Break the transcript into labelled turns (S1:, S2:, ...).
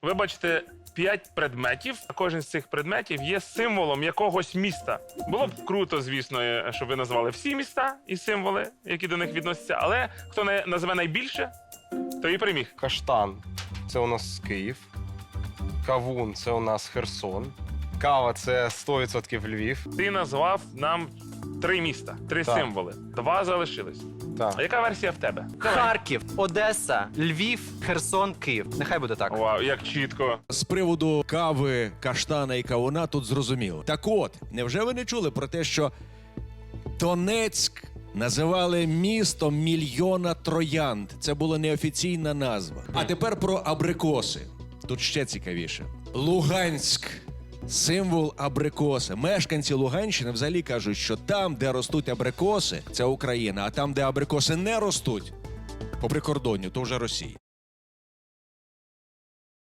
S1: Ви бачите 5 предметів, а кожен з цих предметів є символом якогось міста. Було б круто, звісно, щоб ви назвали всі міста і символи, які до них відносяться, але хто назве найбільше, той і переміг.
S2: Каштан це у нас Київ. Кавун це у нас Херсон. Кава це 100% Львів.
S1: Ти назвав нам 3 міста, 3
S2: Так.
S1: символи. 2 залишились.
S2: Так.
S1: А яка версія в тебе? Давай.
S3: Харків, Одеса, Львів, Херсон, Київ. Нехай буде так.
S1: Вау, як чітко.
S4: З приводу кави, каштана і кавуна тут зрозуміло. Так от, невже ви не чули про те, що Донецьк називали містом мільйона троянд? Це була неофіційна назва. А тепер про абрикоси. Тут ще цікавіше. Луганськ. Символ абрикоси. Мешканці Луганщини взагалі кажуть, що там, де ростуть абрикоси, це Україна, а там, де абрикоси не ростуть, по прикордонню, то вже Росія.